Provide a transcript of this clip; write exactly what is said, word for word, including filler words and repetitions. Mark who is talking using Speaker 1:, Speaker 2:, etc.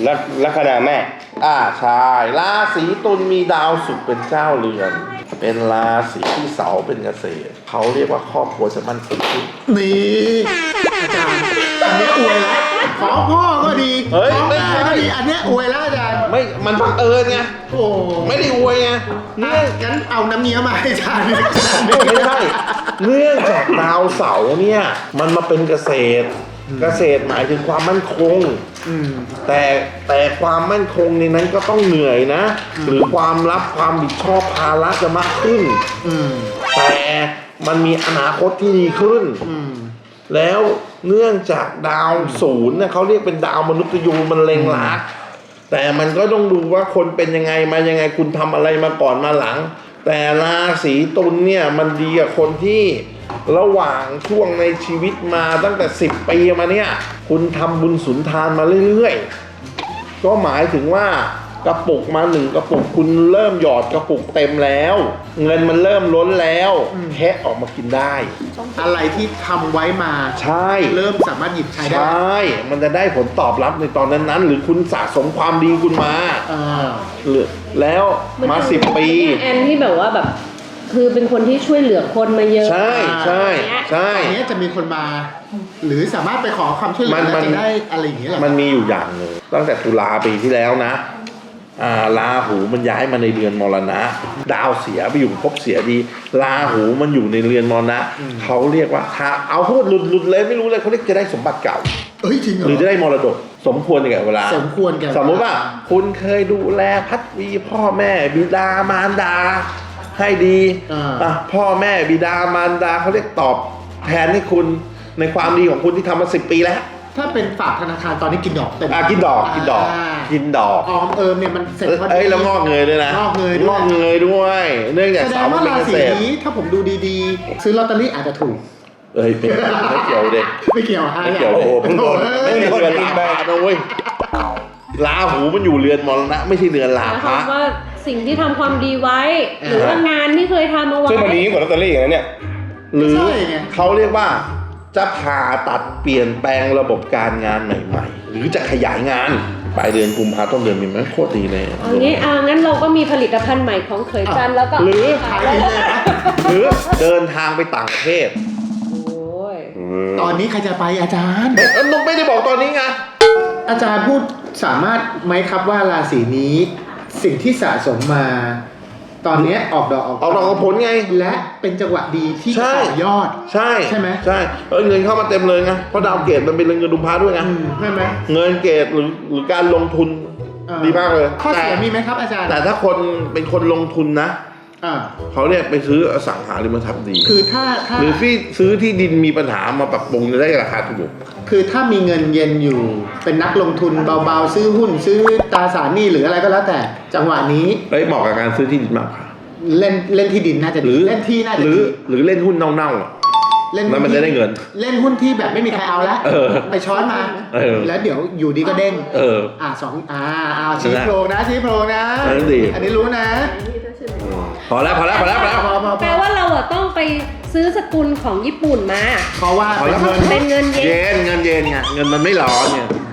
Speaker 1: ลัคลัคนาแม่
Speaker 2: อ่าใช่ราศีตุลมีดาวศุกร์เป็นเจ้าเรือน เป็นราศีที่เสาเป็นเกษตรเขาเรียกว่าครอบครัวจะมั่นคงขึ้น
Speaker 3: นี่อาจารย์อันนี้อวยแล้วของพ่อก็ดี
Speaker 2: เฮ้ย
Speaker 3: ของ
Speaker 2: ไม่
Speaker 3: แม่
Speaker 2: ใช่
Speaker 3: ก็ดีอันนี้อวยแล้วอาจารย์
Speaker 2: ไม่มันบังเอิญไง
Speaker 3: โอ้
Speaker 2: ไม่ได้อวยไงเนื่อง
Speaker 3: งั้นเอาน้ำเนี้ยมาให้อาจารย์
Speaker 2: ไม่ใช่เนื่องจากดาวเสาร์เนี่ยมันมาเป็นเกษตร เกษตรหมายถึงความมั่นคง
Speaker 3: อืม
Speaker 2: แต่แต่ความมั่นคงในนั้นก็ต้องเหนื่อยนะ หรือความรับความผิดชอบภาระจะมากขึ้น
Speaker 3: อืม
Speaker 2: แต่มันมีอนาคตที่ดีขึ้น
Speaker 3: อืม
Speaker 2: แล้วเนื่องจากดาวศูนย์เนี่ยเขาเรียกเป็นดาวมนุษย์ยูมันเล็งลักแต่มันก็ต้องดูว่าคนเป็นยังไงมายังไงคุณทำอะไรมาก่อนมาหลัง แต่ราศีตุลเนี่ยมันดีกับคนที่ระหว่างช่วงในชีวิตมาตั้งแต่สิบปีมาเนี่ยคุณทำบุญสุนทานมาเรื่อยๆก็หมายถึงว่ากระปุกมาหนึ่งกระปุกคุณเริ่มหยอดกระปุกเต็มแล้ว เงินมันเริ่มล้นแล้วแคะออกมากินได้
Speaker 3: อะไรที่ทำไว้มา
Speaker 2: ใช่
Speaker 3: เริ่มสามารถหยิบใช้
Speaker 2: ใช
Speaker 3: ได้
Speaker 2: ่ มันจะได้ผลตอบรับในตอนนั้นๆ หรือคุณสะสมความดีคุณมา
Speaker 3: อ่า
Speaker 2: หรือแล้วมาสิบปี
Speaker 4: แอนที่แบบว่าแบบ คือเป็นคนที่ช่วยเหลือคนมาเยอะ
Speaker 2: ใช่ใช่ใช่
Speaker 3: ตอนนี้จะมีคนมา หรือสามารถไปขอความช่วยเหลื
Speaker 2: มั
Speaker 3: อน แล้ว
Speaker 2: มัน
Speaker 3: จะได้อะไรอย่างเงี้ยเหรอ
Speaker 2: มันมีอยู่อย่างหนึ่งตั้งแต่ตุลาปีที่แล้วนะอ่าราหูมันย้ายมาในเรือนมรณะ ดาวเสียไปอยู่ภพเสียดีราหูมันอยู่ในเรือนมรณะเขาเรียกว่าถ้าเอาพูดหลุดหลุดเลยไม่รู้เลยเขาเรียกจะได้สมบัติเก่า
Speaker 3: เอ้ยจริงเหรอ
Speaker 2: หรือจะได้มรดกสมควรกับเวลา
Speaker 3: สมควรแก่
Speaker 2: สมมติว่าคุณเคยดูแลพัดวีพ่อแม่บิดามารดาให้ดีอ่ะพ่อแม่บิดามารดาเขาเรียกตอบแทนให้คุณในความดีของคุณที่ทำมาสิบปีแล้ว
Speaker 3: ถ้าเป็นฝากธนาคารตอนนี้กินดอกเต็ม
Speaker 2: อ่ะกินดอกกินดอก
Speaker 3: า
Speaker 2: กินดอก
Speaker 3: ออมเอิมเนี่ยมันเสร็จพอดี
Speaker 2: เอ้ยแล้วงอกเงยด้วยนะ
Speaker 3: งอกเงยด้วย
Speaker 2: งอกเงยด้วย เนื่องจาก
Speaker 3: แสด
Speaker 2: เสาง มั
Speaker 3: ว่าน
Speaker 2: เป็น
Speaker 3: รา
Speaker 2: เก
Speaker 3: ศี
Speaker 2: ษตร
Speaker 3: นี้ถ้าผมดูดีๆ ซื้อลอตเตอรี่อาจจะถูก
Speaker 2: เอ้ยไม่ไม่เกี่ยวเด็ก
Speaker 3: ไม่เกี่ยวฮะ
Speaker 2: ไม่เกี่ยว
Speaker 1: โอ้โหเพิ่งโดน
Speaker 2: ไม่มีเรือนลาพะนะเว้ยลาหูมันอยู่เรือนมรณะไม่ใช่เรือนลา
Speaker 4: หมายค
Speaker 2: พะ
Speaker 4: วามว่าสิ่งที่ทำความดีไว้ หรือว่างานที่เคยทำเอาไว้
Speaker 1: ซึ่งมันดียิ่งกว่าลอตเตอรี่อย่างนั้นเนี่ย
Speaker 2: หรือ
Speaker 3: ใช่ไง
Speaker 2: เขาเรียกว่าจะผ่าตัดเปลี่ยนแปลงระบบการงานใหม่ๆ หรือจะขยายงานปลายเดือนกุมภาต้นเดือนมีไหมโคตรดีเลย
Speaker 4: เอางี้เอางั้นเราก็มีผลิตภัณฑ์ใหม่ของเขยจันทร์แล้วก็
Speaker 2: หรือ
Speaker 3: ขายดีเลยนะ
Speaker 2: หรือเดินทางไปต่างประเทศ
Speaker 4: โอ้ย
Speaker 3: ตอนนี้ใครจะไปอาจารย์
Speaker 2: เอ้ยนุ๊กไม่ได้บอกตอนนี้ไง
Speaker 3: อาจารย์พูดสามารถไหมครับว่าราศีนี้สิ่งที่สะสมมา ตอนเนี้ยออกดอกออก
Speaker 2: เอาดอกเอาผลไง
Speaker 3: และเป็นจังหวะดีที่
Speaker 2: ใช่
Speaker 3: ต่อยอด
Speaker 2: ใช่
Speaker 3: ใช่ไหม
Speaker 2: ใช่เออเงินเข้ามาเต็มเลยไงเพราะดาวเกตมันเป็นเงินดุมพาด้วยไง
Speaker 3: อืมใช่ไหม
Speaker 2: เงินเกตหรือหรือการลงทุน
Speaker 3: อ่
Speaker 2: ดีมากเลย
Speaker 3: ข้อเสีย
Speaker 2: แต่
Speaker 3: มีไหมครับอาจารย์
Speaker 2: แต่ถ้าคนเป็นคนลงทุนนะ
Speaker 3: อ่า
Speaker 2: เขาเนี่ยไปซื้ออสังหาริมทรัพย์ดี
Speaker 3: คือถ้าถ้า
Speaker 2: หรือที่ซื้อที่ดินมีปัญหามาปรับปรุงจะได้ราคาถูก
Speaker 3: คือถ้ามีเงินเย็นอยู่ เป็นนักลงทุนเบาๆ ซื้อหุ้นซื้อตราสารหนี้หรืออะไรก็แล้วแต่ จังหวะนี้
Speaker 2: เอ้ยเหมาะกับการซื้อที่ดินมากกว่า
Speaker 3: เล่นเล่นที่ดินน่าจะ
Speaker 2: ห
Speaker 3: ดี
Speaker 2: รือ
Speaker 3: เล่นที่น่าจะ
Speaker 2: หรือ
Speaker 3: ดี
Speaker 2: หรือเล่นหุ้นเน่าๆอ่ะ
Speaker 3: เล่น
Speaker 2: แล้วมัน
Speaker 3: หุ้
Speaker 2: จะได้เงิน
Speaker 3: เล่นหุ้นที่แบบไม่มีใครเอาแล้ว
Speaker 2: เออ
Speaker 3: ไปช้อนมา
Speaker 2: เออ
Speaker 3: แล้วเดี๋ยวอยู่ดีก็เด้ง
Speaker 2: เออ
Speaker 3: อ่าสองอ่าเอาชี้โพรงนะชี้โพรงนะ
Speaker 2: เออดี
Speaker 3: อันนี้รู้นะ
Speaker 2: พอแล้วพอแล้วพอแล้วพอแล้ว
Speaker 3: พอพอพ
Speaker 4: แปล
Speaker 3: อ
Speaker 4: ว่าเราอะต้องไปซื้อสกุลของญี่ปุ่นมา
Speaker 3: เพราะว่า
Speaker 2: พอแล้ว
Speaker 3: เป็นเงิน
Speaker 4: เป็นเงินเยน
Speaker 2: เย็นเงินเย็นไงเงินมันไม่ร้อนเนี่ย